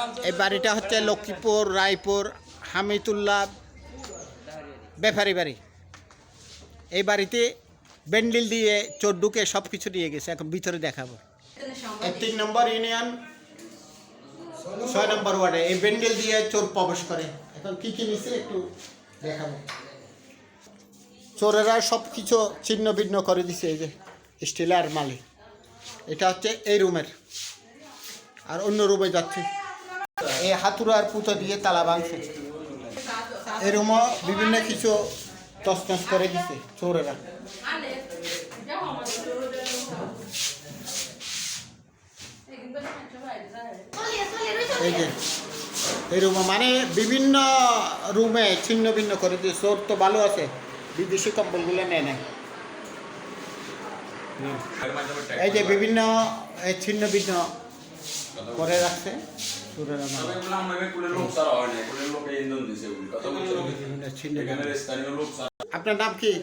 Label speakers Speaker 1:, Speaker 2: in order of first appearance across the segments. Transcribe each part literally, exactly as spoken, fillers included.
Speaker 1: এই বাড়িটা হচ্ছে লক্ষ্মীপুর রায়পুর হামিদুল্লাহ ব্যাপারী বাড়ি। এই বাড়িতে ব্যান্ডেল দিয়ে চোর ঢুকে সব কিছু নিয়ে গেছে, এখন ভিতরে দেখাবো। এই তিন নম্বর ইউনিয়ন ছয় নম্বর ওয়ার্ডে এই ব্যান্ডেল দিয়ে চোর প্রবেশ করে। এখন কী কী নিছে একটু দেখাবো। চোরেরা সব কিছু ছিন্ন ভিন্ন করে দিছে। এই যে স্টিলার মালিক, এটা হচ্ছে এই রুমের, আর অন্য রুমে যাচ্ছে। এই হাতুড়ার পুঁতো দিয়ে তালা ভাঙছে। এই রুমও বিভিন্ন কিছু তছনছ করে দিছে চোরেরা। এই যে এই রুমে মানে বিভিন্ন রুমে ছিন্ন ভিন্ন করে দিয়ে চোর তো ভালো আছে, বিদেশি কম্বলগুলো নেয় নেয়। এই যে বিভিন্ন ছিন্ন ভিন্ন করে রাখছে চোরেরা। আপনার নাম কি?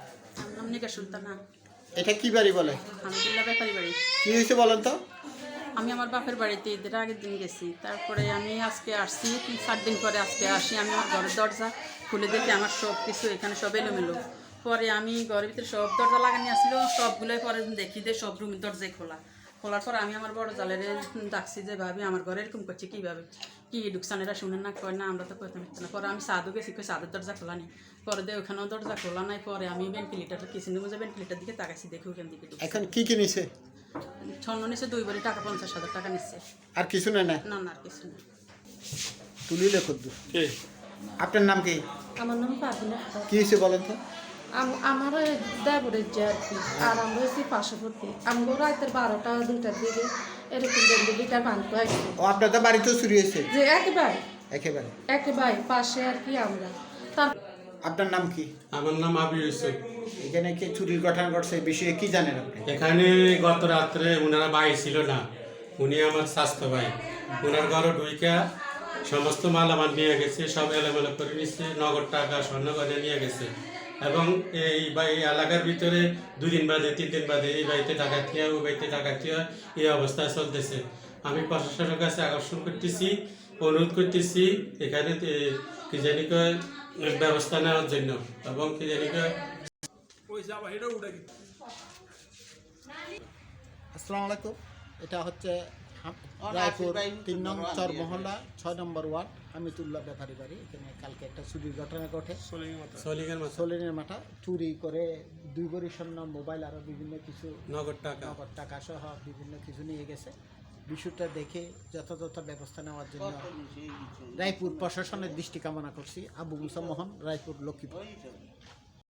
Speaker 1: এটা কি বাড়ি বলে?
Speaker 2: ব্যাপারী বাড়ি।
Speaker 1: কি হয়েছে বলেন তো?
Speaker 2: আমি আমার বাপের বাড়িতে ঈদের আগের দিন গেছি, তারপরে আমি আজকে আসছি, তিন চার দিন পরে আজকে আসি। আমি আমার ঘরের দরজা খুলে দেখি আমার সব কিছু এখানে সব এলোমেলো। পরে আমি ঘরের ভিতরে সব দরজা লাগানি আসছিল, সবগুলোই পরে দেখি যে সব রুমের দরজায় খোলা। খোলার পর আমি আমার বড় জালের ডাকছি যে ভাবি আমার ঘরে এরকম করছে কীভাবে, কি ঢুকসানেরা শুনে না কয় না, আমরা তো করতে পারছি না। পরে আমি সাদও গেছি, কই সাদের দরজা খোলা নেই। পরে দিয়ে ওখানেও দরজা খোলা নাই। পরে আমি ভেন্টিলেটার কিচেন রুমে যে ভেন্টিলেটার দিকে তাকাইছি, দেখি ওখান দিকে
Speaker 1: এখন কি কি নিছে?
Speaker 2: স্বর্ণ নিচ্ছে দুই বারি টাকা, পঞ্চাশ হাজার টাকা নিচ্ছে।
Speaker 1: আর কিছু নেই? না
Speaker 2: না না আর কিছু না।
Speaker 1: তুলিলে কদ্দু। আপনার নাম কি?
Speaker 3: আমার নাম পাবিনা।
Speaker 1: কি হয়েছে বলেন তো?
Speaker 3: আমার দেবরের যে আর কি, আর আমরা হচ্ছি পার্শ্ববর্তী। আমরা রাতের বারোটা দুটার দিকে এরকম বেন্ডিলিটার বানতে আসছি।
Speaker 1: ও আপনার তো বাড়িতেও চুরি হয়েছে?
Speaker 3: যে একেবারে
Speaker 1: একেবারে
Speaker 3: একেবারে পাশে আর কি আমরা। তার
Speaker 1: আপনার নাম কি?
Speaker 4: আমার নাম আবি ইউসুফ।
Speaker 1: এখানে কি চুরির ঘটনা ঘটছে এই বিষয়ে কি জানেন আপনি?
Speaker 4: এখানে গত রাত্রে ওনারা ভাই ছিল না, উনি আমার স্বাস্থ্য ভাই। ওনার ঘরে ঢুইকা সমস্ত মালামাল নিয়ে গেছে, সব এলোমেলো করে নিচ্ছে, নগদ টাকা স্বর্ণ গয়না নিয়ে গেছে। এবং এই বাই এলাকার ভিতরে দুদিন বাদে তিন দিন বাদে এই বাড়িতে ডাকাতি হয়, ওই বাড়িতে ডাকাতি হয়, এই অবস্থায় চলতেছে। আমি প্রশাসনের কাছে আকর্ষণ করতেছি, অনুরোধ করতেছি এখানে কি জানি কয় ব্যবস্থা নেওয়ার জন্য, এবং কি জানি কয়।
Speaker 1: আসসালামু আলাইকুম। এটা হচ্ছে রায়পুর তিন নং চর মহল্লা ছয় নম্বর ওয়ার্ড হামিদুল্লাহ ব্যাপারী বাড়ি। এখানে কালকে একটা চুরির ঘটনা ঘটে। সলিনের মাথা চুরি করে দুই ভরি স্বর্ণ, মোবাইল আরও বিভিন্ন কিছু
Speaker 4: নগদ টাকা
Speaker 1: নগদ টাকা সহ বিভিন্ন কিছু নিয়ে গেছে। বিষয়টা দেখে যথাযথ ব্যবস্থা নেওয়ার জন্য রায়পুর প্রশাসনের দৃষ্টি কামনা করছি। আবু মুসা মোহন, রায়পুর, লক্ষ্মীপুর।